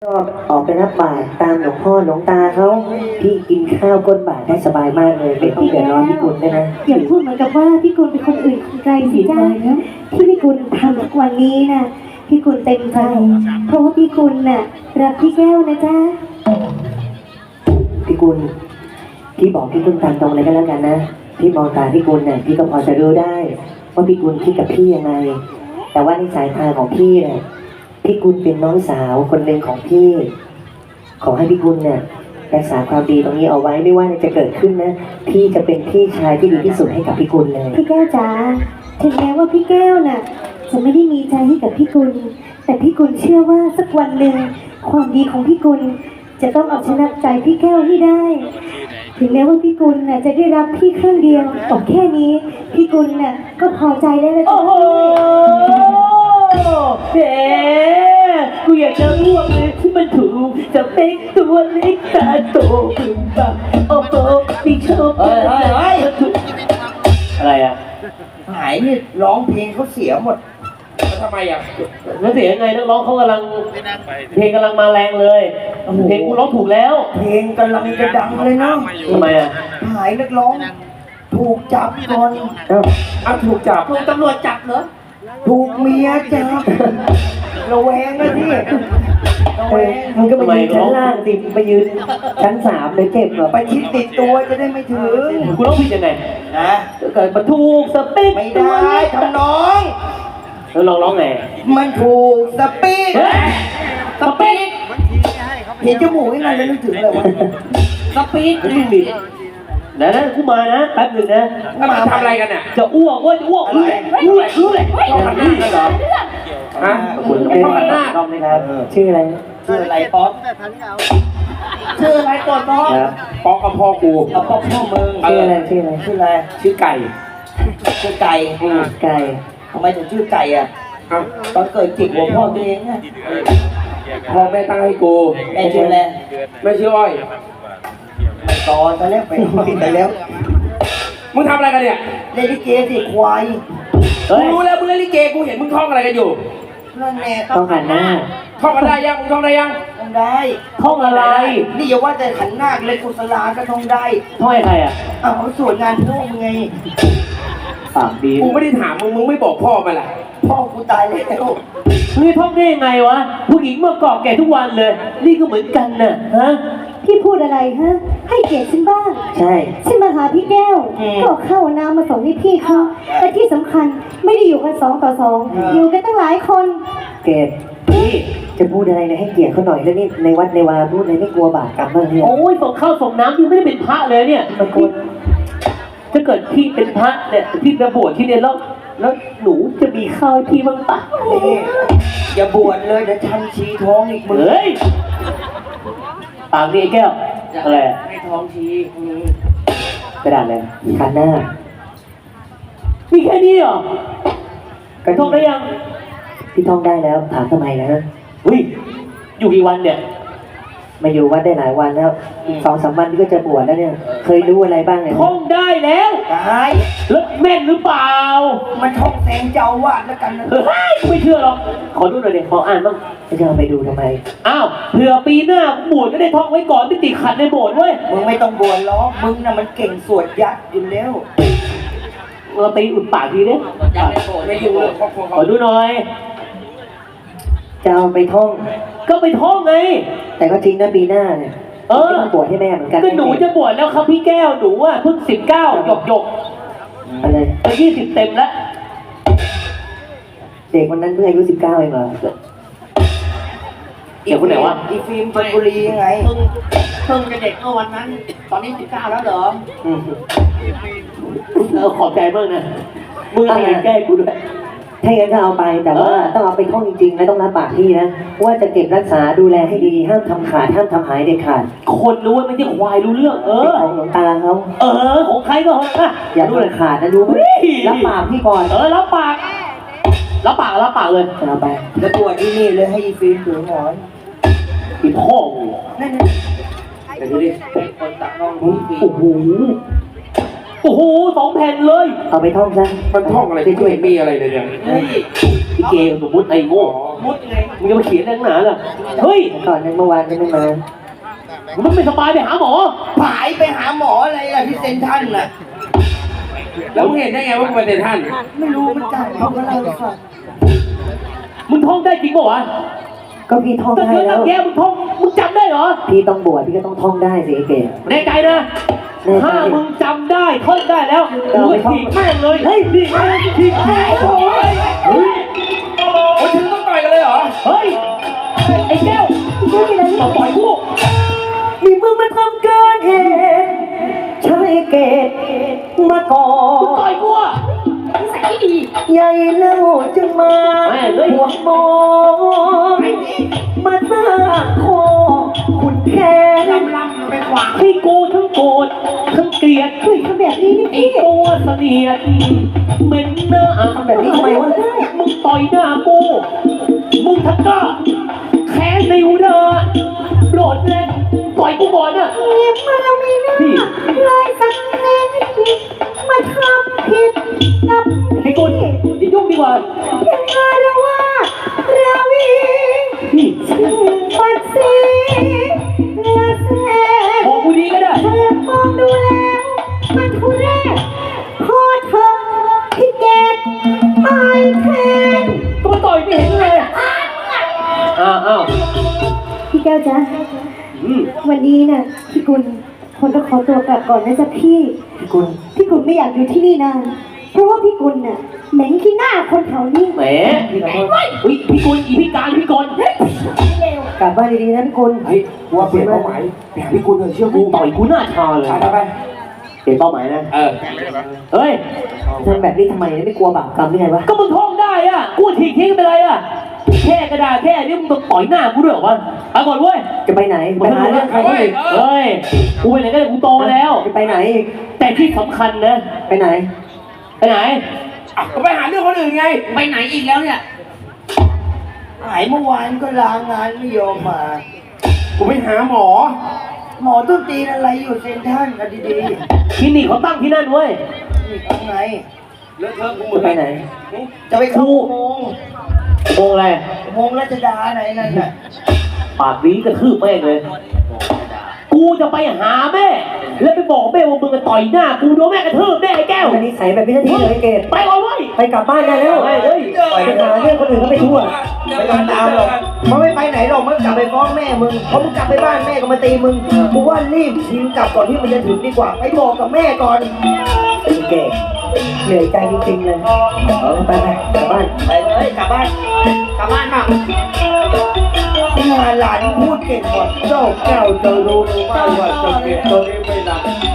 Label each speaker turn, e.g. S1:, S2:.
S1: ก็ออกไปรับบาตรตามหลวงพ่อหลวงตาเขาพี่กินข้าวก้นบาตรได้สบายมากเลยไม่ต้องเดือดร้อนพี่กุลด้วยนะ
S2: อย่าพูดเหมือนกับว่าพี่กุลเป็นคนอื่นคนไกลสิจ้าที่พี่กุลทำทุกวันนี้น่ะพี่กุลเต็มใจเพราะว่าพี่กุลน่ะรักพี่แก้วนะจ้า
S1: พี่กุลพี่บอกพี่กุลตามตรงเลยก็แล้วกันนะพี่มองตาพี่กุลเนี่ยพี่ก็พอจะรู้ได้ว่าพี่กุลคิดกับพี่ยังไงแต่ว่าในสายตาของพี่เนี่ยพี่กุลเป็นน้องสาวคนหนึ่งของพี่ขอให้พี่กุลเนี่ยรักษาความดีตรงนี้เอาไว้ไม่ว่าจะเกิดขึ้นนะพี่จะเป็นพี่ชายที่ดีที่สุดให้กับพี่กุลเลย
S2: พี่แก้วจ๋าถึงแม้ว่าพี่แก้วน่ะจะไม่ได้มีใจให้กับพี่กุลแต่พี่กุลเชื่อว่าสักวันหนึ่งความดีของพี่กุลจะต้องเอาชนะใจพี่แก้วให้ได้ถึงแม้ว่าพี่กุลน่ะจะได้รับพี่ครั้งเดียวแต่แค่นี้พี่กุลน่ะก็พอใจได้แล้วจ้ะ
S3: แหมกูอยากจะอ้วกเลยที่มันถูกจะเป็นตัวเล็กตาโตบึ้มบังโอ้โหพี่ชอบอะไรอ่ะ
S4: หายนี่ร้องเพลงเขาเสียหมดทำไมอ่ะ
S3: แล้วเสียยังไงนักร้องเขากำลังเพลงกำลังมาแรงเลยเพลงกูร้องถูกแล้ว
S4: เพลงกำลังจะดังเลยเนาะ
S3: ทำไมอ่ะ
S4: หายนักร้องถูกจับก่อน
S3: ถูกจับ
S4: ถูกตำรวจจับเหรอถูกเมียจับระแวงนะพี่
S1: มันก็ไปยืนชั้นล่างสิไปยืนชั้น3เลยเจ็บเหรอ
S4: ไปชิดติดตัวจะได้ไม่ถึง
S3: กูต้องผิดยังไง
S4: นะ
S3: เกิดมาถูกสเปค
S4: ไม่ได้ทำน้อง
S3: แล้วร้องไง
S4: มันถูกสปีดสปีดเห็นจมูกยังไงแล้วนึกถึงอะไรวะสปีด
S3: วิ่งดินะกูมานะแป๊บหนึ่งนะ
S4: มาทำอะไรกันเนี่ย
S3: จะอ้วกเว้ยจะอ้วกรู้เลย
S4: ต้องหันหน้ากันเหรอฮะ
S1: คุณต้องหันหน้าต้องไหมครับชื่ออะไร
S4: ป๊อกชื่ออะไรก่อนป๊อก
S3: ป๊อกกับพ่อกู
S4: ป๊อกพ่อมึง
S1: ชื่ออะไร
S4: ชื่อไก่
S1: ไก่
S4: ทำไมถึงชื่อไก่อ่ะตอนเกิดจิกหัวพ่อตัวเองไง
S3: พ่อแม่ตั้งให้กู
S4: แม่ชื่ออะไร
S3: ไม่ชื่ออ้อย
S4: ตอนตอนแรกไปแล้ว
S3: มึงทำอะไรกันเนี่ย
S4: เล่นลิเกสิควาย
S3: กูรู้แล้วมึงเล่นลิเกกูเห็นมึงท่องอะไรกันอยู่
S4: นั่นแน่
S1: ต้องหันหน้า
S3: ท่องกันได้ยังมึงท่องได้ยัง
S4: ท่องได้
S3: ท่องอะไร
S4: นี่อย่าว่าแต่ขันหน้าเลยกุศลาก็ท่องได้
S3: ท่องให้ใครอ่ะ
S4: ส่วนงานพ่อมึงไง
S3: ปากดีกูไม่ได้ถามมึงไม่บอกพ่อมาล่ะ
S4: พ่อกูตายแล้ว
S3: มึงท่องได้ยังไงวะผู้หญิงเมื่อก่อนแก่ทุกวันเลยนี่ก็เหมือนกันน่ะฮะ
S2: พี่พูดอะไรฮะให้เกียรติฉันบ้าง
S1: ใช่
S2: ฉันมาหาพี่แก้วก็เข้าน้ำมาส่งให้พี่เขาแต่ที่สำคัญไม่ได้อยู่กัน2 ต่อ 2อยู่กันตั้งหลายคน
S1: เกดพี่จะพูดอะไรนะให้เกียรติเขาหน่อยแล้วนี่ในวัดในวาพูดอะไรไม่กลัวบาปกรรมบ้างเนี่ย
S3: โอ้ยส่งข้าวส่งน้ำยังไม่ได้เป็นพระเลยเนี่ย
S1: บางคน
S3: ถ้าเกิดพี่เป็นพระเนี่ยพี่จะบวชที่เนี่ยแล้วหนูจะมีข้าวให้พี่บ้างปะ
S4: อย่าบวชเลยเดี๋ยวชันชีท้องอีกมึง
S3: เฮ้ยปากนี่แก้วอะไร
S4: ให้ท้องชี
S3: กระดาษอะไร
S1: ขันหน้า
S3: มีแค่นี้เหรอท่องได้ยัง
S1: พี่ท่องได้แล้วถามทำไมนะ
S3: อุ้ยอยู่กี่วันเนี่ย
S1: มาอยู่วัดได้หลายวันแล้ว2-3 วันก็จะบวชแล้วเนี่ยเคยรู้อะไรบ้างเนี่ย
S3: ท่องได้แล้ว
S4: ได้
S3: แล้วแม่นหรือเปล่า
S4: มันท่องแสงเจ้าวาดแล้วกันนะ
S3: ไม่เชื่อหรอกขอดูหน่อยเดี๋ยวขออ่านบ้าง
S1: จะเอาไปดูทำไม
S3: อ้าวเผื่อปีหน้าบวชก็ได้ท่องไว้ก่อนไม่ติดขัดในโบสถ์เว้ย
S4: มึงไม่ต้องบวชหรอกมึงน่ะมันเก่งสวดยัดอยู่แล้ว
S3: เราตีอุดปากทีนี้
S4: ไม่อยู่เลย
S3: ขอดูหน่อย
S1: จะเอาไปท่อง
S3: ก็ไปท่องไง
S1: แต่ก็จริงนะปีหน้าเนี่ยบวชให้แม่เหมือนกัน
S3: ก็หนูจะบวชแล้วครับพี่แก้วหนูอ่ะเพิ่ง19หยก
S1: อะไร
S3: 20เต็มแล้ว
S1: เด็กวันนั้นเพิ่งอายุ19เองเหรอ
S3: เด็กคนไหนวะ
S4: อีฟิล์มชลบุรียังไงเพิ่งจะเด็กเมื่อวันนั้นตอนนี้19แล้วเหรอ
S3: ขอบใจเพิ่งนะมึงอะไรแก้กูด้วย
S1: ถ้าอย่างนั้นก็เอาไปแต่ว่าต้องเอาไปท่องจริงๆและต้องรับปากพี่นะว่าจะเก็บรักษาดูแลให้ดีห้ามทำขาดห้ามทำหายเด็ดขาด
S3: คนรู้ว่าไม่ใช่ควายรู้เรื่อง
S1: ของหลวงตาเขา
S3: ของใครก็ของ
S1: อย่าดูเลยขาดนะรู้ไหมรับปากพี่ก่อน
S3: รับปากเลย
S1: เอาไป
S4: แล้วตัวที่นี่เลยให้อีฟิล์มถือหมอน
S3: อีพ่อ
S4: นั่นไปดูดิคนตักน้อง
S3: โอ้โหโอ้โห2 แผ่นเลย
S1: เอาไปท่องซะ
S5: มันท่องอะไรที่ไม่มีอะไรเลยเนี่ย
S4: เฮ้ย
S3: พี่เกมสมมติไอ้โง่
S4: มุดไง
S3: มึงจะมาเขียนอะไรนักหนาล่ะเฮ้ย
S1: ก่อนนั้นเมื่อวานก็ไม่มา
S3: มึงไม่สบายไปหาหมอ
S4: ผายไปหาหมออะไรล่ะที่เซนทรัลน่ะ
S5: แล้วมึงเห็นได้ไงว่ากูเป็นท่าน
S4: ไม่รู้เหมือนกันเขาก็เล่าให้ฟัง
S3: มึงท่องได้จริงป่าวะ
S1: ก็พี่ท่อง
S3: ตั้ง
S1: ได้
S3: เยอะ
S1: แล้
S3: ตั้
S1: ว
S3: งแยะมึงท่องมึงจำได้เหรอ
S1: พี่ต้องบวชพี่ก็ต้องท่องได้สิไอ้เก๋
S3: แน่ใจนะ
S1: แน่ใจ
S3: ถ้ามึงจำได้ท่องได้แล้ว
S1: เออ
S3: มึ
S1: ไม่
S3: ง
S1: ท่อง
S3: ถีบแม่งเลยเฮ้ยนี่ไงถีบแม่งโอ้ยเฮ้ย
S5: โอ้ยถึงต้องต่อยกันเลยเหรอ
S3: เฮ้ยไอ้แก้วมาปล่อยกู
S1: นี่มึงมาทำเกินเหตุใช่เกตมาก่อ
S3: มึงต่อยกูอะ
S1: ใหญ่เล่าจึงมา
S3: แม่งเอ้ย
S1: หัวโมมาสร้างคอขุนแค้น
S4: ลำไปขวาง
S3: ให้กูทั้งโกรธทั้งเกลียด
S2: เฮ้ยทำแบบนี้นี่
S3: ไอ้
S2: พี่
S3: ตัวเสนียดเหม็นหน้า
S1: ทำแบบนี้ทำไมวะ
S3: มึงต่อยหน้ากูมึงทักกะแค้นในหัวเธอโกรธเลยต่อยกูก่อนน่ะ
S2: เงียบมาแล้วมีหน้าเลยสักนิดมาทำผิดกับ
S3: ไอ้กุลอย่ายุ่งดีกว่า
S2: เพียงมาแล้วว่าราวี
S3: พี่
S2: ชื่อปัดสีเนื้อแส
S3: บอกกูดีก็ได้
S2: เธอมองดูแล้วมันทุเรศพอเธอที่เกตตายแทน
S3: ก็มาต่อยไม่เห็นเลยอ้าว
S2: พี่แก้วจ๊ะ
S3: อืม
S2: วันนี้น่ะพี่กุลคนต้องขอตัวกลับก่อนนะจ๊ะพี่
S1: พี่กุล
S2: พี่กุลไม่อยากอยู่ที่นี่นานเพราะว่าพี่กุลน่ะเหม็นขี้หน้าคนแถวนี้
S3: แหมเฮ้ยพี่กุลอีพี่การพี่กล
S1: กลับบ้านดีๆนะพี่กุล
S5: เฮ้ยกูว่าเปลี่ยนเป้าหมายไปหาพี่กุลเลยเชื่อ
S3: มึ
S5: กู
S3: งต่อยกูหน้าชาเลย
S5: ไป
S3: เปลี่ยนเป้าหมายนะ
S5: เออ
S3: เฮ้ย
S1: ทำแบบนี้ทำไมเนี่ยไม่กลัวบาปกรรมหรือไงวะ
S3: ก็มึงท่องได้อ่ะกูถีบทิ้งไปเลยอ่ะแค่กระดาษแค่นี้มึงต้องต่อยหน้ากูด้วยเหรอวะไปก่อนเว้ย
S1: จะไปไหนไปหาเรื่องใครอีก
S3: เฮ้ยกูไปไหนก็ได้กูโตแล้ว
S1: จะไปไหนอีก
S3: แต่ที่สำคัญนะ
S1: ไปไหน
S3: ไปไหน
S5: อ่ะก็ไปหาเรื่องคนอื่นไง
S4: ไปไหนอีกแล้วเนี่ยหายเมื่อวานก็ลางานไม่ยอมมา
S5: กูไปหาหมอ
S4: หมอต้นตีนอะไรอยู่เซนทรัลกันดี
S3: คลินิกเขาตั้งที่นั่นเว้ย
S4: ๆนี่เอาไง
S5: เลอะเทอะกูหม
S1: จะ
S5: ด
S1: ไปไหน
S4: จะไปเข้าอุโมงค์
S3: โมงอะไร
S4: อุโมงค์รัชดาไหนนั่นน่ะ
S3: ปากนี้กระทืบแม่งเลย กูจะไปหาแม่ แล้วไปบอกแม่ว่ามึงจะต่อยหน้า กูโดนแม่กระทืบแน่ไอ้แก้ว
S1: อันนี้ใส่แบบพิธีเลยไอ้เกต
S3: ไปก่อนเว้ย
S1: ไปกลับบ้านได้แล้ว
S3: เฮ้ยเฮ้ย
S1: ไปหาเรื่องคนอื่นเขาไปทั่ว
S4: ไม่ต้องตามหรอกมันไม่ไปไหนหรอกมันกลับไปฟ้องแม่มึงเพราะมึงกลับไปบ้านแม่ก็มาตีมึงกูว่ารีบชิงกลับก่อนที่มันจะถึงดีกว่า ไปบอกกับแม่ก่อน
S1: ไอ้เกตเหนื่อยใจจริงๆเลยเอาไปกลับบ้าน
S4: ไปเลยกลับบ้านกลับบ้านมาหลานพูดเก่งกว่าเจ้าแก้วจะรู้หรือไม่ว่าจะเก็บตัวนี้ไม่นาน